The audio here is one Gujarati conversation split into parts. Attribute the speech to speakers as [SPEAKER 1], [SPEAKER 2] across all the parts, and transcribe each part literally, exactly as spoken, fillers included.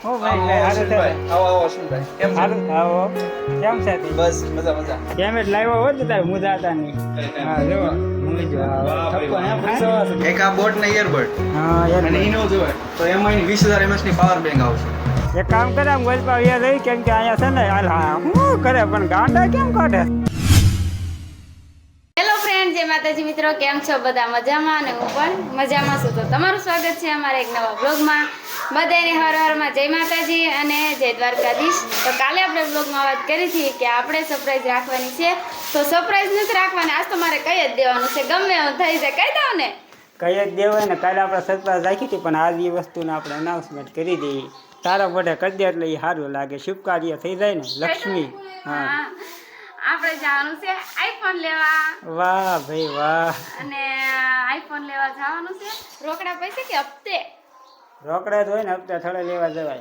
[SPEAKER 1] ઓ ભાઈ ભાઈ હારું છે
[SPEAKER 2] આવો આવો અશ્વિનભાઈ કેમ છો?
[SPEAKER 1] હારું આવો કેમ છે તી?
[SPEAKER 2] બસ મજા મજા.
[SPEAKER 1] કેમ જ લાવ્યો હોત ને તારે મુદા હતા ની હા જો મમ્મી જો થપ્પો હે પૈસા
[SPEAKER 2] એક આ બોટ ને ઇયરબડ
[SPEAKER 1] હા યાર
[SPEAKER 2] અને ઈનો જોવે તો એમાં એની વીસ હજાર એમએચ ની પાવર બેંક આવશે.
[SPEAKER 1] એક કામ કરે આમ ગોલપા વ્યા રહી કેમ કે અહીંયા છે ને હાલ હા હું કરે પણ ગાંડા કેમ કાઢે.
[SPEAKER 3] હેલો ફ્રેન્ડ, જય માતાજી મિત્રો, કેમ છો બધા? મજામાં અને હું પણ મજામાં છું. તો તમારું સ્વાગત છે અમારા એક નવા બ્લોગમાં. બધાને હર હરમાં જય માતાજી અને જય દ્વારકાધીશ. તો કાલે આપણે બ્લોગમાં વાત કરી હતી કે આપણે સરપ્રાઈઝ રાખવાની છે, તો સરપ્રાઈઝ નથી રાખવાની, આજ તો મારે કહી જ દેવાનું છે, ગમે એવું થઈ જાય કહી દઉં ને.
[SPEAKER 1] કઈ જ દેવાય ને. કાલે આપણે સરપ્રાઈઝ રાખી હતી પણ આજ એ વસ્તુને આપણે અનાઉન્સમેન્ટ કરી દઈએ. તારા મોઢે કરી દે એટલે એ સારું લાગે, શુભ કાર્ય થઈ જાય ને. લક્ષ્મી હા
[SPEAKER 3] આપણે જવાનું છે આઈફોન લેવા.
[SPEAKER 1] વાહ ભાઈ વાહ.
[SPEAKER 3] અને આઈફોન લેવા જવાનું છે. રોકડા પૈસા કે હપ્તે?
[SPEAKER 1] રોકડા જ હોય ને, હપ્તા થોડા લેવા જવાય.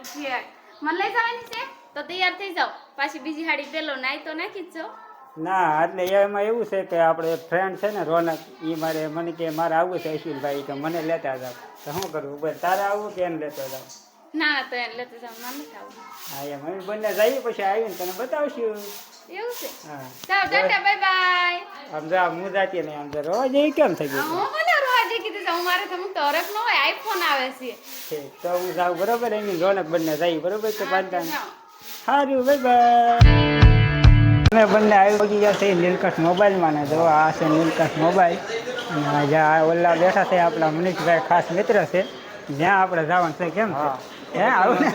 [SPEAKER 3] મને લઈ જવાની છે તો તૈયાર થઈ જાવ. પાછી બીજી હાડી પેલો નાઈ તો નાખી જ જાઓ.
[SPEAKER 1] ના એટલે એમાં એવું છે કે આપણે ફ્રેન્ડ છે ને રોનક, એ મારે મને કે મારે આવવું છે અશ્વિનભાઈ, કે મને લેતા જાવ. તો શું કરવું ભાઈ, તારે આવવું કે એને લેતો જાવ?
[SPEAKER 3] ના ના તો એને લેતો જાવ, ના નથી આવું.
[SPEAKER 1] હા એમ અમે બંને જઈએ પછી આવીને તને બતાવશું.
[SPEAKER 3] એવું છે?
[SPEAKER 1] હા
[SPEAKER 3] ચાલો ટાટા બાય બાય.
[SPEAKER 1] આમ જો આમ હું જાતી નહીં, આમ જો રોજ એ કેમ થઈ ગયું?
[SPEAKER 3] હું મને રોજ કીધું છે, હું મારે તો હું તો હરખ ન હોય, આઈફોન આવે છે.
[SPEAKER 1] ઠીક તો હું જાઉં બરોબર, એની રોનક બંને જઈએ બરોબર. તો પાંચતા સારું બાય બાય. અમે બંને આવી ગયા છે નીલકંઠ મોબાઈલમાં ને. જો આ છે નીલકંઠ મોબાઈલ અને જ્યાં ઓલા બેઠા છે આપણા મનીષભાઈ, ખાસ મિત્ર છે, જ્યાં આપણે જવાનું છે. કેમ છે? હે આવું ને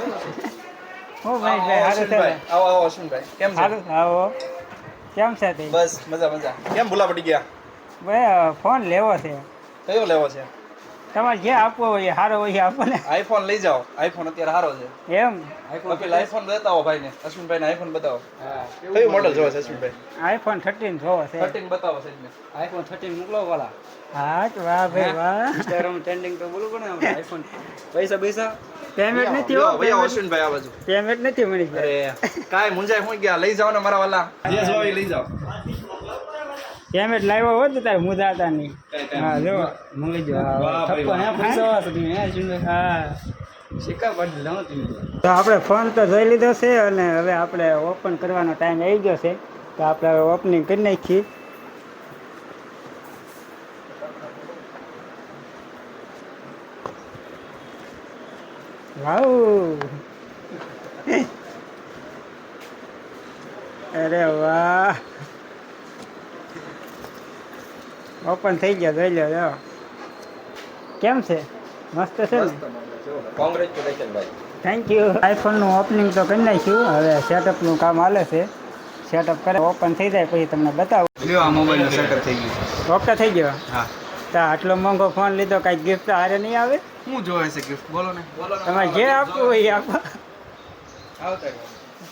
[SPEAKER 1] હું મનીષભાઈ સારું છે ને?
[SPEAKER 2] આવો આવો અશ્વિનભાઈ કેમ છો?
[SPEAKER 1] સારું આવો કેમ છે તે?
[SPEAKER 2] બસ મજા મજા. કેમ ભૂલા પડી ગયા?
[SPEAKER 1] ભાઈ ફોન લેવો છે,
[SPEAKER 2] કયો લેવો છે?
[SPEAKER 1] તમારે જે આપવો હોય એ સારો હોય એ આપો ને.
[SPEAKER 2] આઈફોન લઈ જાઓ, આઈફોન અત્યારે સારો છે.
[SPEAKER 1] એમ
[SPEAKER 2] આઈફોન પેલા આઈફોન બતાવો ભાઈને, અશ્વિનભાઈ ને આઈફોન બતાવો. કયું મોડલ જોવે છે અશ્વિનભાઈ?
[SPEAKER 1] આઈફોન થર્ટીન જોવો છે.
[SPEAKER 2] થર્ટીન બતાવો સાહેબને.
[SPEAKER 4] આઈફોન થર્ટીન મોકલો વાલા.
[SPEAKER 1] હા તો વાહ ભાઈ વાહ.
[SPEAKER 4] ઇન્સ્ટાગ્રામ ટ્રેન્ડિંગ તો બોલું પડે ને આઈફોન. પૈસા પૈસા
[SPEAKER 1] પેમેન્ટ નથી હો,
[SPEAKER 2] લ્યો, ભાઈ આવો અશ્વિનભાઈ આ બાજુ.
[SPEAKER 1] પેમેન્ટ નથી મનીષભાઈ.
[SPEAKER 2] અરે કાંઈ મુંજાય હું ગયા, લઈ જાઓ ને મારા વાલા. જે જોવો એ લઈ જાઓ.
[SPEAKER 1] પેમેન્ટ લાવ્યો હોત ને તારે મુદા હતા નહીં. હા જો
[SPEAKER 4] મંગી જો.
[SPEAKER 2] વાહ ભાઈ
[SPEAKER 4] થપ્પો હે
[SPEAKER 2] વાહ.
[SPEAKER 4] પૈસા વાળા તમે હે શિંદે.
[SPEAKER 1] હા
[SPEAKER 4] સિક્કા પાડી લાવો તમે.
[SPEAKER 1] તો આપણે ફોન તો જોઈ લીધો છે અને હવે આપણે ઓપન કરવાનો ટાઈમ આવી ગયો છે. તો આપણે હવે ઓપનિંગ કરી નાખીએ. વાવ અરે વાહ, ઓપન થઈ ગયા, જોઈ લો. જો કેમ છે? મસ્ત છે ને?
[SPEAKER 2] કોંગ્રેચ્યુલેશન ભાઈ.
[SPEAKER 1] Thank you. આઈફોનનું ઓપનિંગ તો કરી નાખ્યું, હવે સેટઅપનું કામ હાલે છે. સેટઅપ કરે ઓપન થઈ જાય પછી તમને બતાવું.
[SPEAKER 2] લ્યો આ મોબાઈલનું સેટઅપ થઈ ગયું છે.
[SPEAKER 1] ઓકે થઈ ગયો.
[SPEAKER 2] હા.
[SPEAKER 1] તો આટલો મોંઘો ફોન લીધો, કાંઈ ગિફ્ટ હારે નહીં આવે?
[SPEAKER 2] શું જોવે છે ગિફ્ટ? બોલો ને. બોલો ને.
[SPEAKER 1] તમારે જે આપવું હોય એ આપો.
[SPEAKER 2] આવતા રહ્યો.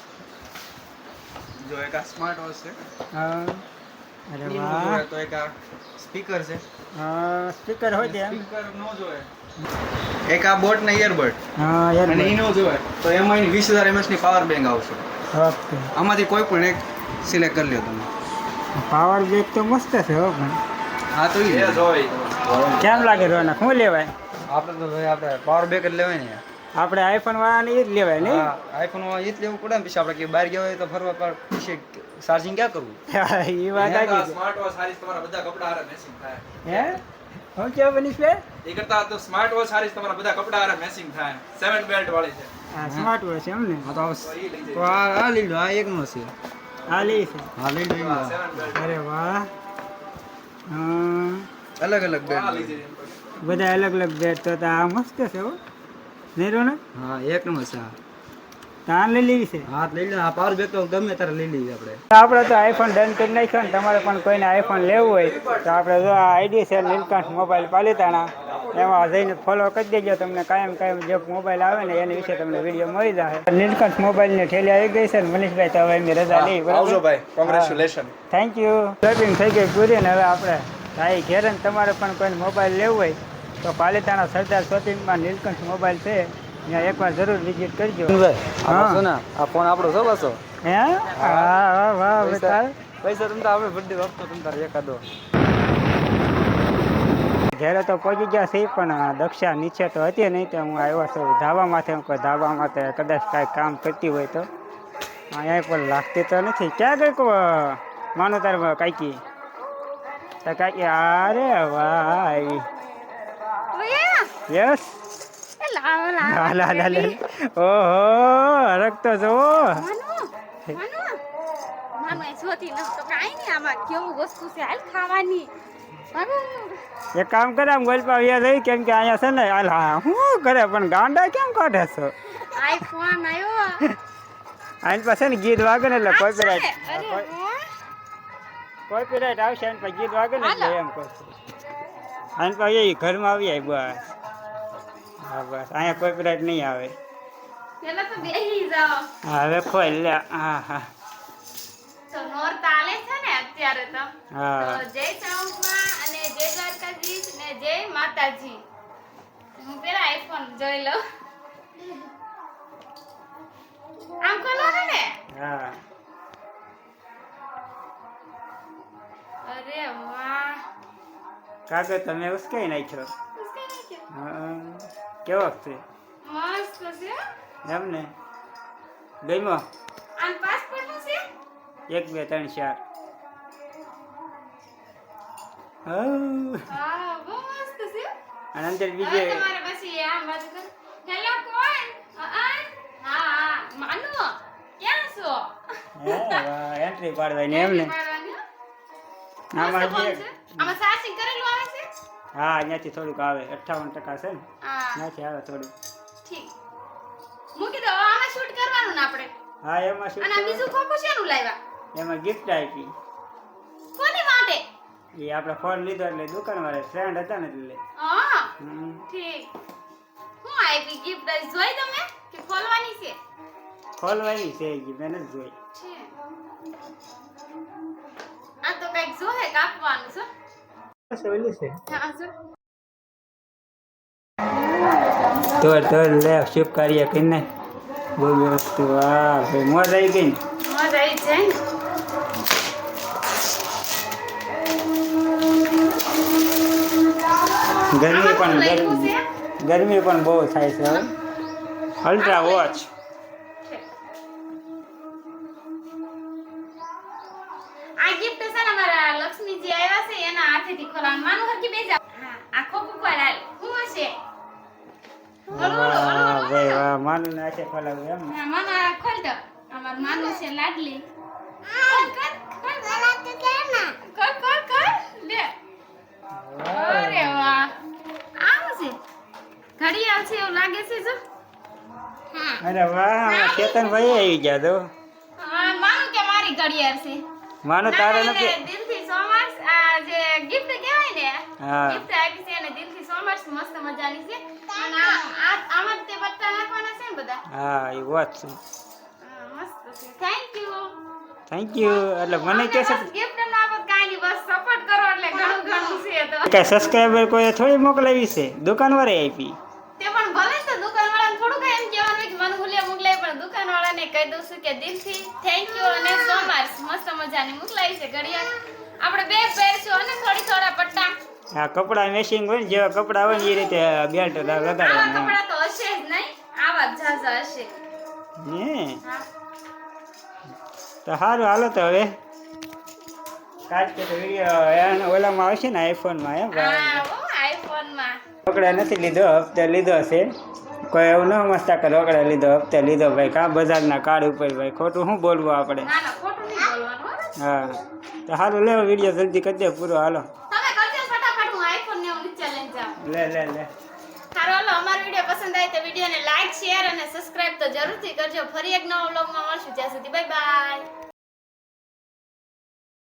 [SPEAKER 2] જો એક આ સ્માર્ટ વોચ છે.
[SPEAKER 1] હા અરે
[SPEAKER 2] એનું
[SPEAKER 1] વાહ.
[SPEAKER 2] જોવે તો એક આ સ્પીકર છે.
[SPEAKER 1] હા સ્પીકર હોય ત્યાં.
[SPEAKER 2] સ્પીકર નો જોવે. એક આ બોટ ને ઇયરબડ
[SPEAKER 1] હા યાર
[SPEAKER 2] અને ઈનો જોવે તો એમાં એની વીસ હજાર એમએચ ની પાવર બેંક આવશે.
[SPEAKER 1] ઓકે.
[SPEAKER 2] આમાંથી કોઈ પણ એક સિલેક્ટ કરી લ્યો તમે.
[SPEAKER 1] પાવર બેક તો મસ્ત છે હો પણ.
[SPEAKER 2] હા તો ઈ જોવે.
[SPEAKER 1] કેમ લાગે રોનક? શું લેવાય?
[SPEAKER 4] આપણે તો ભાઈ આપણે પાવર બેક જ લેવાય ને.
[SPEAKER 1] આપણે આઈફોન વાળાને એ જ લેવાય નહીં?
[SPEAKER 4] હા આઈફોન માં એ જ લેવું પડે ને. પછી આપણે કે બહાર ગયા હોય તો ફરવા પર પછી ચાર્જિંગ ક્યાં કરવું?
[SPEAKER 1] એ વાત આવી છે.
[SPEAKER 2] સ્માર્ટ વોચ સારી તમારા બધા કપડા હારે મેચિંગ થાય.
[SPEAKER 1] હે હું કેવું મનીષભાઈ?
[SPEAKER 2] એ કરતા તો સ્માર્ટ વોચ સારી તમારા બધા કપડા હારે મેચિંગ થાય. સેવન બેલ્ટ વાળી છે.
[SPEAKER 1] હા સ્માર્ટ વોચ એમ ને?
[SPEAKER 4] હા તો
[SPEAKER 2] તો ઈ લઈ
[SPEAKER 4] તો
[SPEAKER 2] જાય.
[SPEAKER 4] આ આ લઈ લો. આ એકનો છે.
[SPEAKER 1] આ લે છે.
[SPEAKER 4] હા લઈ લો.
[SPEAKER 2] હા, સેવન બેલ્ટ.
[SPEAKER 1] અરે વાહ. હા
[SPEAKER 4] અલગ અલગ
[SPEAKER 2] આ
[SPEAKER 4] બેડ.
[SPEAKER 2] લઈ જાય.
[SPEAKER 1] બધા અલગ અલગ બેટ. તો તો આ મસ્ત છે હો નહીં રોનક?
[SPEAKER 4] હા એક નંબર છે.
[SPEAKER 1] તો આ લઈ લેવી છે.
[SPEAKER 4] હા લઈ લો. આ પાવર બેક તો ગમે ત્યારે લઈ લઈએ આપણે.
[SPEAKER 1] આપણે તો આઈફોન ડન કરી નાખ્યો ને. તમારે પણ કોઈને આઈફોન લેવું હોય તો આપણે જો આ આઈડી છે નીલકંઠ મોબાઈલ પાલિતાણા, એમાં જઈને ફોલો કરી દેજો. તમને કાયમ કાયમ જે મોબાઈલ આવે ને એની વિશે તમને વિડીયો મળી જાય. નીલકંઠ મોબાઈલની ઠેલી આવી ગઈ છે ને મનીષભાઈ, તો હવે એમની રજા લઈ.
[SPEAKER 2] આવજો ભાઈ. કોંગ્રેચ્યુલેશન.
[SPEAKER 1] Thank you. શોપિંગ થઈ ગઈ પૂરી ને હવે આપણે ભાઈ ઘેર ને. તમારે પણ કોઈને મોબાઈલ લેવું હોય તો પાલિતાણા સરદાર શોપિંગમાં નીલકંઠ મોબાઈલ છે, ત્યાં એકવાર જરૂર વિઝિટ કરજો. હા.
[SPEAKER 4] આ આ ફોન આપણો છો પાછો.
[SPEAKER 1] હે હા હા વાહ
[SPEAKER 4] પૈસા
[SPEAKER 1] બતા.
[SPEAKER 4] પૈસા તમે તો આપણે બર્થડે વખતો તમે તારે એકાદો.
[SPEAKER 1] ઘેરે તો પહોંચી ગયા છે પણ દક્ષા નીચે તો હતી નહીં તો હું આવ્યો છું ધાબામાંથી કોઈ ધાબામાં તો કદાચ કાંઈ કામ કરતી હોય તો અહીંયા પણ લાગતી તો નથી ક્યાં ગઈ કો માનો તાર કાંઈકી તો કાંઈકી અરે ભાઈ યસ લાલ લાલ ઓહો હરકતો જુઓ એક કામ કરે આમ ગોલપા વ્યા લઈ કેમ કે અહીંયા છે ને હાલ હા શું કરે પણ ગાંડા કેમ કાઢે છો
[SPEAKER 3] આઈફોન આવ્યો
[SPEAKER 1] આની પાસે ને ગીત વાગે ને એટલે કોપીરાઇટ કોપીરાઇટ આવશે આની પાસે ગીત વાગે ને એટલે એમ કરશે આની પાસે એ ઘરમાં આવી જાય બસ હા બસ અહીંયા કોપીરાઇટ નહીં આવે
[SPEAKER 3] પેલા તો બેહી જાઓ
[SPEAKER 1] હા હવે ખોલ લે હા હા
[SPEAKER 3] તો નોર તાલે છે ને અત્યારે તો
[SPEAKER 1] હા
[SPEAKER 3] તો જય ચાઉમાં અને જય દ્વારકાધીશ ને જય માતાજી હું પેલા આઈફોન જોઈ લઉં આમ ખોલો ને
[SPEAKER 1] હા
[SPEAKER 3] અરે વાહ
[SPEAKER 1] કાગળ તમે ઉસકાઈ નાખ્યો
[SPEAKER 3] ઉસકે નાખ્યો
[SPEAKER 1] હા કેવો છે
[SPEAKER 3] મસ્ત છે
[SPEAKER 1] એમ ને ગઈમો
[SPEAKER 3] આન પાસપોર્ટ નું છે
[SPEAKER 1] એક બે ત્રણ ચાર હા
[SPEAKER 3] હા બહુ મસ્ત છે
[SPEAKER 1] અને અંદર
[SPEAKER 3] હવે
[SPEAKER 1] બીજે
[SPEAKER 3] તમારે પછી આમ બાજુ કર હેલો કોણ અ, અ? હા હા માનુ ક્યાં છો
[SPEAKER 1] એન્ટ્રી પાડવાની એમ ને
[SPEAKER 3] પાડવાની, હો?
[SPEAKER 1] આમાં
[SPEAKER 3] મસ્ત ફોન
[SPEAKER 1] જે
[SPEAKER 3] છે. આમાં ચાર્જિંગ કરેલું આવે છે
[SPEAKER 1] હા અહીંયાથી થોડુંક આવે અઠ્ઠાવન ટકા છે ને
[SPEAKER 3] હા
[SPEAKER 1] ત્યાંથી આવે થોડું
[SPEAKER 3] ઠીક મૂકી દો હવે આમાં શૂટ કરવાનું ને આપણે
[SPEAKER 1] હા એમાં શું
[SPEAKER 3] અને આ બીજું ખોખું શેનું લાવ્યા
[SPEAKER 1] એમાં ગિફ્ટ આપી
[SPEAKER 3] કોની માટે
[SPEAKER 1] એ આપણે ફોન લીધો એટલે દુકાનવાળા ફ્રેન્ડ હતા ને એટલે
[SPEAKER 3] હા
[SPEAKER 1] હમ.
[SPEAKER 3] ઠીક હું આપી ગિફ્ટ જોઈ તમે કે ખોલવાની છે
[SPEAKER 1] ખોલવાની છે એ મેં નથી જોઈ
[SPEAKER 3] છે આ તો કઈક જોહે કાપવાનું છે
[SPEAKER 1] ઓલી છે
[SPEAKER 3] હા જો
[SPEAKER 1] તો તો લે શુભ કાર્ય કરીને બહુ વસ્તુ વાહ ભાઈ મોજ આવી ગઈ ને
[SPEAKER 3] મજા આવી જાય ને.
[SPEAKER 1] ગરમી પણ
[SPEAKER 3] આમાં શું
[SPEAKER 1] ગરમી
[SPEAKER 3] લખ્યું
[SPEAKER 1] ગરમી પણ બહુ થાય છે હવે અલ્ટ્રા વોચ
[SPEAKER 3] છે? આ gift છે ને મારા લક્ષ્મીજી આવ્યા છે એના હાથેથી ખોલવાનું માનું હરકી બેજા હા આ ખોખું ખોલ હાલ હું હશે હળુ હળુ હળુ
[SPEAKER 1] વાહ
[SPEAKER 3] હળુ
[SPEAKER 1] ભાઈ
[SPEAKER 3] હળુ.
[SPEAKER 1] વાહ માનું નાખે ખોલાવું એમ ને
[SPEAKER 3] હા માનો આ ખોલ દો અમાર માનું છે લાડલી ખોલ કર ખોલ કર કર કર લે અરે વાહ આવું છે ઘડિયાળ છે એવું લાગે છે જો હા
[SPEAKER 1] અરે વાહ ચેતનભાઈ આવી ગયા તો
[SPEAKER 3] હા માનું કે મારી ઘડિયાળ છે
[SPEAKER 1] માનો તારે
[SPEAKER 3] ના,
[SPEAKER 1] નથી
[SPEAKER 3] એને દિલથી સોમર્સ આ જે gift કહેવાય ને
[SPEAKER 1] હા.
[SPEAKER 3] gift આપી છે એને દિલથી સોમર્સ મસ્ત મજાની છે અને આ આ- આમાં જ તે પત્તા નાખવાના છે ને બધા
[SPEAKER 1] હા એ વોચ છે
[SPEAKER 3] હા, મસ્ત છે થેન્ક યુ
[SPEAKER 1] થેન્ક યુ એટલે મને કે છે
[SPEAKER 3] ગિફ્ટ ના આપો કાઈ નહીં બસ સપોર્ટ કરો એટલે ઘણું ઘણું છે તો
[SPEAKER 1] કે સબસ્ક્રાઈબર કોઈ થોડી મોકલાવી છે દુકાનવાળે આપી
[SPEAKER 3] તે પણ ભલે તો દુકાનવાળાને થોડું કઈ એમ કહેવાનું હોય કે મને ભૂલ્યા મોકલાય પણ દુકાનવાળાને કહી દઉં છું કે દિલથી થેન્ક યુ અને સો મચ મસ્ત મજાની મોકલાવી છે ઘડિયાળ આપણે બે પહેરશું અને થોડી થોડા પટ્ટા
[SPEAKER 1] આ કપડા મેચિંગ હોય ને જેવા કપડા હોય ને એ રીતે બેલ્ટ
[SPEAKER 3] આવા
[SPEAKER 1] લગાડવાના
[SPEAKER 3] કપડા તો હશે જ નહીં આવા જ ઝાઝા હશે
[SPEAKER 1] હે
[SPEAKER 3] હા
[SPEAKER 1] તો સારું હાલો તો હવે કાચ કે તો વિડીયો ઓલામાં આવશે ને આઈફોનમાં એમ
[SPEAKER 3] હા ઓ આઈફોનમાં
[SPEAKER 1] રોકડા નથી લીધો હપ્તે લીધો છે કોઈ એવું ન મસ્તા કે રોકડા લીધો હપ્તે લીધો ભાઈ કા બજારના કાર્ડ ઉપર ભાઈ ખોટું શું બોલવું આપણે
[SPEAKER 3] ના ના ખોટું નહીં બોલવાનું હો.
[SPEAKER 1] હા તો સારું લેવો વિડીયો જલ્દી કરી દે પૂરો હાલો
[SPEAKER 3] તમે કરજો ફટાફટ હું આઈફોન ને હું નીચે લઈને જાઉં
[SPEAKER 1] લે લે લે
[SPEAKER 3] સારું હાલો અમારો વિડીયો પસંદ આવે તો વિડીયોને લાઈક શેર અને સબસ્ક્રાઇબ તો જરૂરથી કરજો ફરી એક નવા વ્લોગમાં મળશું ત્યાં સુધી બાય બાય